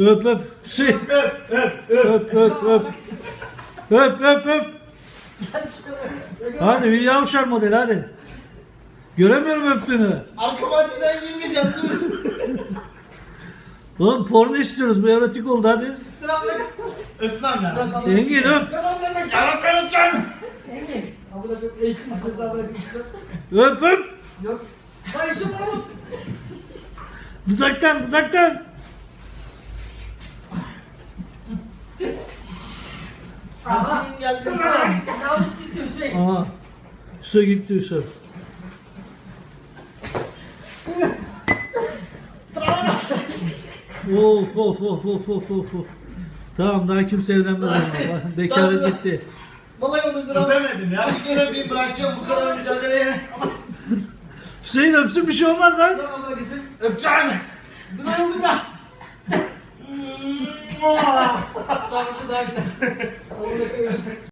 Öp öp. Hüseyin. Öp öp öp. Öp öp öp. Hadi bir yavşar model hadi. Göremiyorum öptüğünü. Arka bahçeden girmeyeceğim değil mi? Oğlum porno istiyoruz. Bu erotik oldu hadi. Öpmem ya. Engin öp. Yalan öpeceğim. Engin. Abla çok eğitim ceza bırakmışlar. Öp öp. Yok. Hayır şimdi oğlum. Dudaktan dudaktan. Aha. Kim geldi? Yavrum sizi Hüseyin. Aha. Hüso gitti Hüso. Of of of of of of of. Tamam daha kimse evlenmez ama. Bekaret gitti. Vallahi onu dur. Öpemedim ya. Bir kere bir bırakacağım bu kadar mücadeleye. Hüseyin öpsün bir şey olmaz lan. Dur abla gitsin. Öpeceğim. Dur lan dur lan. Tamam dur daha gidelim. Abla